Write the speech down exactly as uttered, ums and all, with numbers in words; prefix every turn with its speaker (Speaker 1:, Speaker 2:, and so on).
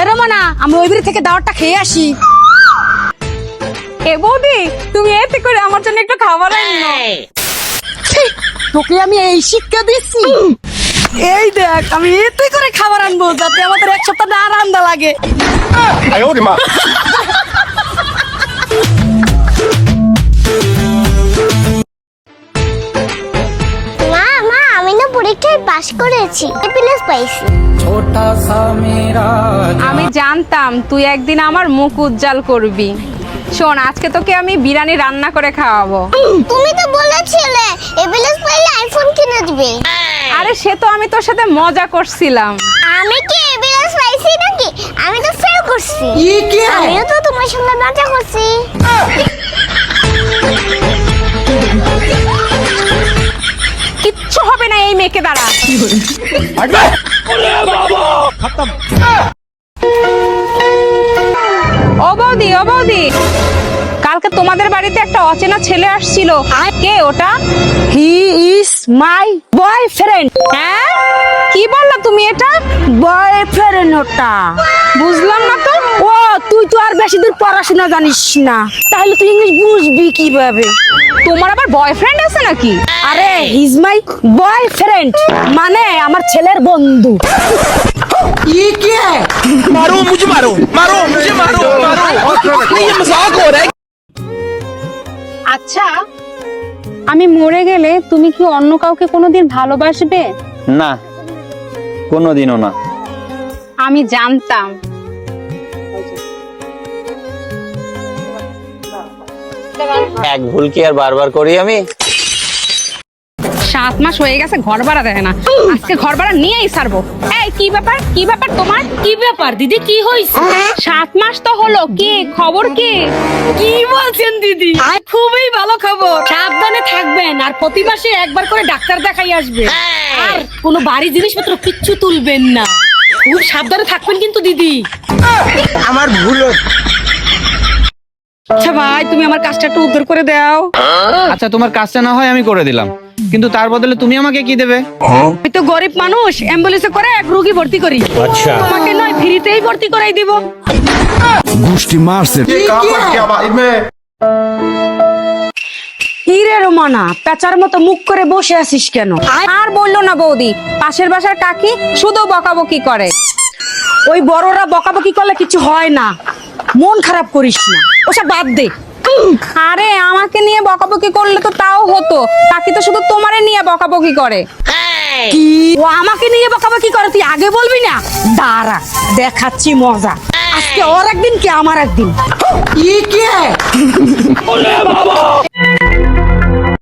Speaker 1: রোমানা, আমরা ওই বাড়ি থেকে দাওয়াতটা খেয়ে আসি।
Speaker 2: এ বৌদি, তুমি এতে করে আমার জন্য একটু খাবার আনো।
Speaker 1: তোকে আমি এই শিক্ষা দিচ্ছি। এই দেখ, আমি এতে করে খাবার আনবো যাতে আমাদের এক সপ্তাহ না রান্না লাগে।
Speaker 3: মা মা আমি না পরীক্ষায় পাশ করেছি, এ প্লাস পাইছি।
Speaker 2: আমি জানতাম তুই একদিন আমার মুখ উজ্জ্বল করবি। শোন, আজকে তোকে আমি বিরিয়ানি রান্না করে খাওয়াবো।
Speaker 3: তুমি তো বলেছিলে এ প্লাস পাইলে আইফোন কিনে দিবে।
Speaker 2: আরে সে তো আমি তোর সাথে মজা করছিলাম।
Speaker 3: আমি কি এ প্লাস পাইছি নাকি? আমি তো ফেল করছি। আমিও তো তোমার সঙ্গে মজা করছি।
Speaker 2: কিচ্ছু হবে না এই মেয়েকে দ্বারা। ও বৌদি, ও বৌদি, কালকে তোমাদের বাড়িতে একটা অচেনা ছেলে আসছিল। কে ওটা?
Speaker 1: He is my boyfriend.
Speaker 2: হ্যাঁ, কি বললা তুমি এটা?
Speaker 1: বয়ফ্রেন্ড ওটা।
Speaker 2: বুঝলাম না তো।
Speaker 1: ও তুই তো আর বেশি দূর পড়াশোনা জানিস না, তাহলে তুই ইংলিশ বুঝবি কিভাবে?
Speaker 2: তোমার আবার বয়ফ্রেন্ড আছে নাকি?
Speaker 1: আরে হিজ মাই বয়ফ্রেন্ড মানে আমার ছেলের বন্ধু।
Speaker 4: मारो मुझे मारो मारो मुझे मारो मारो नहीं ये मजाक हो रहा है।
Speaker 2: আচ্ছা, আমি মরে গেলে তুমি কি অন্য কাউকে কোনোদিন ভালোবাসবে?
Speaker 5: না, কোনোদিনও না।
Speaker 2: আমি জানতাম।
Speaker 5: এক ভুল কি আর বারবার করি আমি?
Speaker 2: সাত মাস হয়ে গেছে ঘর ভাড়া দেয় না, আজকে ঘর ভাড়া নিয়েই ছাড়বো। এই কি ব্যাপার, কি ব্যাপার তোমার?
Speaker 1: কি ব্যাপার দিদি, কি হয়েছে?
Speaker 2: সাত মাস তো হলো, কি খবর? কি
Speaker 1: কি বলছেন দিদি? খুবই ভালো খবর। সাবধানে থাকবেন আর প্রতি মাসে একবার করে ডাক্তার দেখাই আসবে। আর কোনো বাড়ি জিনিসপত্র কিচ্ছু তুলবেন না, খুব সাবধানে থাকবেন কিন্তু দিদি।
Speaker 4: আমার ভুল।
Speaker 1: আচ্ছা ভাই, তুমি আমার কাজটা একটু উদ্ধার করে দাও।
Speaker 6: আচ্ছা, তোমার কাজটা না হয় আমি করে দিলাম, কিন্তু তার বদলে তুমি আমাকে কি দেবে?
Speaker 1: আমি তো গরিব মানুষ, অ্যাম্বুলেন্সে করে এক রোগী ভর্তি করি। আচ্ছা, তোমাকে নয় ফ্রিতেই ভর্তি করাই দিব।
Speaker 7: गुष्टी मार से
Speaker 1: কি রে রোমানা, পেঁচার মতো মুখ করে বসে আছিস কেন?
Speaker 2: আর বললো না বৌদি, পাশের বাসার কাকি শুধু বকাবকি করে।
Speaker 1: ওই বড়রা বকাবকি করলে কিছু হয় না, মন খারাপ করিস না, ওসব বাদ দে।
Speaker 2: আরে আমাকে নিয়ে বকাবকি করলে তো তাও হতো, কাকি তো শুধু তোমারে নিয়ে বকাবকি করে।
Speaker 1: কি ও আমাকে নিয়ে বকাবকি করে তুই আগে বলবি না? দাঁড়া দেখাচ্ছি মজা, আজকে ওর একদিন কি আমার একদিন।